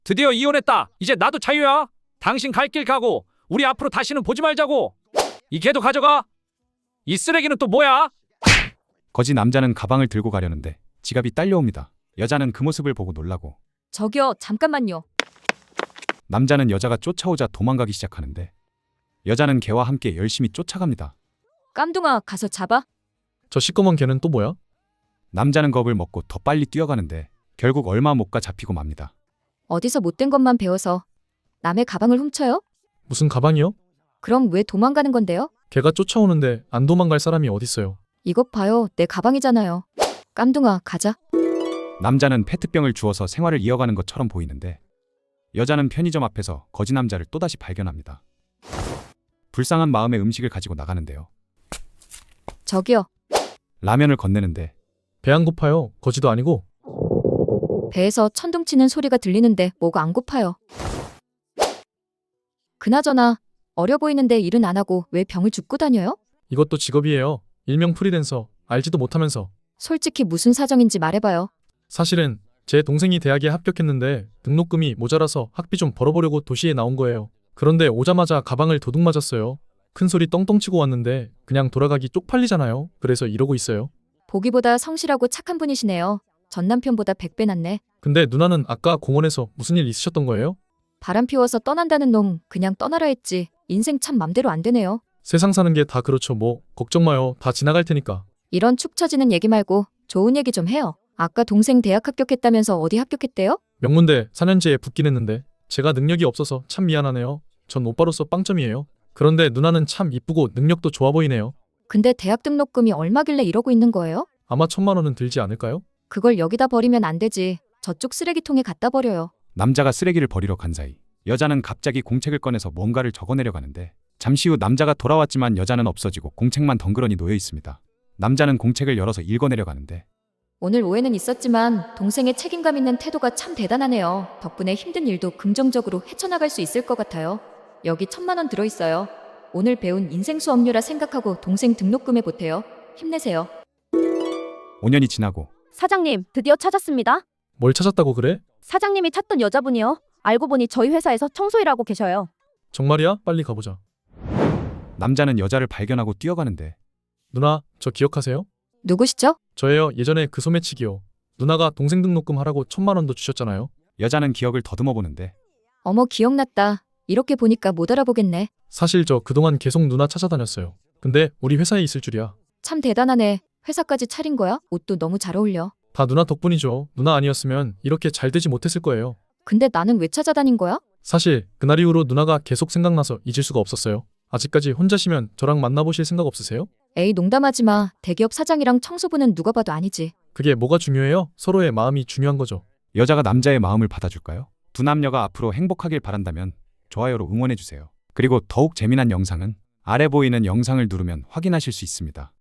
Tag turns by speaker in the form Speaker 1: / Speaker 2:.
Speaker 1: 드디어 이혼했다. 이제 나도 자유야. 당신 갈 길 가고 우리 앞으로 다시는 보지 말자고. 이 개도 가져가. 이 쓰레기는 또 뭐야?
Speaker 2: 거지 남자는 가방을 들고 가려는데 지갑이 딸려옵니다. 여자는 그 모습을 보고 놀라고
Speaker 3: 저기요, 잠깐만요.
Speaker 2: 남자는 여자가 쫓아오자 도망가기 시작하는데 여자는 개와 함께 열심히 쫓아갑니다.
Speaker 3: 깜둥아, 가서 잡아.
Speaker 4: 저 시꺼먼 개는 또 뭐야?
Speaker 2: 남자는 겁을 먹고 더 빨리 뛰어가는데 결국 얼마 못 가 잡히고 맙니다.
Speaker 3: 어디서 못된 것만 배워서 남의 가방을 훔쳐요?
Speaker 4: 무슨 가방이요?
Speaker 3: 그럼 왜 도망가는 건데요?
Speaker 4: 개가 쫓아오는데 안 도망갈 사람이 어딨어요.
Speaker 3: 이것 봐요, 내 가방이잖아요. 깜둥아, 가자.
Speaker 2: 남자는 페트병을 주워서 생활을 이어가는 것처럼 보이는데 여자는 편의점 앞에서 거지 남자를 또다시 발견합니다. 불쌍한 마음에 음식을 가지고 나가는데요.
Speaker 3: 저기요,
Speaker 2: 라면을 건네는데
Speaker 4: 배 안 고파요. 거지도 아니고.
Speaker 3: 배에서 천둥 치는 소리가 들리는데 뭐가 안 고파요. 그나저나 어려 보이는데 일은 안 하고 왜 병을 줍고 다녀요?
Speaker 4: 이것도 직업이에요. 일명 프리랜서. 알지도 못하면서.
Speaker 3: 솔직히 무슨 사정인지 말해봐요.
Speaker 4: 사실은 제 동생이 대학에 합격했는데 등록금이 모자라서 학비 좀 벌어보려고 도시에 나온 거예요. 그런데 오자마자 가방을 도둑 맞았어요. 큰 소리 떵떵 치고 왔는데 그냥 돌아가기 쪽팔리잖아요. 그래서 이러고 있어요.
Speaker 3: 보기보다 성실하고 착한 분이시네요. 전 남편보다 100배 낫네.
Speaker 4: 근데 누나는 아까 공원에서 무슨 일 있으셨던 거예요?
Speaker 3: 바람 피워서 떠난다는 놈 그냥 떠나라 했지. 인생 참 맘대로 안 되네요.
Speaker 4: 세상 사는 게 다 그렇죠. 뭐 걱정 마요. 다 지나갈 테니까.
Speaker 3: 이런 축 처지는 얘기 말고 좋은 얘기 좀 해요. 아까 동생 대학 합격했다면서 어디 합격했대요?
Speaker 4: 명문대 4년제에 붙긴 했는데 제가 능력이 없어서 참 미안하네요. 전 오빠로서 빵점이에요. 그런데 누나는 참 이쁘고 능력도 좋아 보이네요.
Speaker 3: 근데 대학 등록금이 얼마길래 이러고 있는 거예요?
Speaker 4: 아마 1,000만 원은 들지 않을까요?
Speaker 3: 그걸 여기다 버리면 안 되지. 저쪽 쓰레기통에 갖다 버려요.
Speaker 2: 남자가 쓰레기를 버리러 간 사이 여자는 갑자기 공책을 꺼내서 뭔가를 적어내려 가는데 잠시 후 남자가 돌아왔지만 여자는 없어지고 공책만 덩그러니 놓여 있습니다. 남자는 공책을 열어서 읽어내려 가는데
Speaker 3: 오늘 오해는 있었지만 동생의 책임감 있는 태도가 참 대단하네요. 덕분에 힘든 일도 긍정적으로 헤쳐나갈 수 있을 것 같아요. 여기 1,000만 원 들어있어요. 오늘 배운 인생 수업료라 생각하고 동생 등록금에 보태요. 힘내세요.
Speaker 2: 5년이 지나고
Speaker 5: 사장님, 드디어 찾았습니다.
Speaker 4: 뭘 찾았다고 그래?
Speaker 5: 사장님이 찾던 여자분이요. 알고 보니 저희 회사에서 청소일하고 계셔요.
Speaker 4: 정말이야? 빨리 가보자.
Speaker 2: 남자는 여자를 발견하고 뛰어가는데
Speaker 4: 누나, 저 기억하세요?
Speaker 3: 누구시죠?
Speaker 4: 저예요. 예전에 그 소매치기요. 누나가 동생 등록금 하라고 1,000만 원도 주셨잖아요.
Speaker 2: 여자는 기억을 더듬어 보는데
Speaker 3: 어머, 기억났다. 이렇게 보니까 못 알아보겠네.
Speaker 4: 사실 저 그동안 계속 누나 찾아다녔어요. 근데 우리 회사에 있을 줄이야.
Speaker 3: 참 대단하네. 회사까지 차린 거야? 옷도 너무 잘 어울려.
Speaker 4: 다 누나 덕분이죠. 누나 아니었으면 이렇게 잘 되지 못했을 거예요.
Speaker 3: 근데 나는 왜 찾아다닌 거야?
Speaker 4: 사실 그날 이후로 누나가 계속 생각나서 잊을 수가 없었어요. 아직까지 혼자시면 저랑 만나보실 생각 없으세요?
Speaker 3: 에이, 농담하지 마. 대기업 사장이랑 청소부는 누가 봐도 아니지.
Speaker 4: 그게 뭐가 중요해요? 서로의 마음이 중요한 거죠.
Speaker 2: 여자가 남자의 마음을 받아줄까요? 두 남녀가 앞으로 행복하길 바란다면 좋아요로 응원해주세요. 그리고 더욱 재미난 영상은 아래 보이는 영상을 누르면 확인하실 수 있습니다.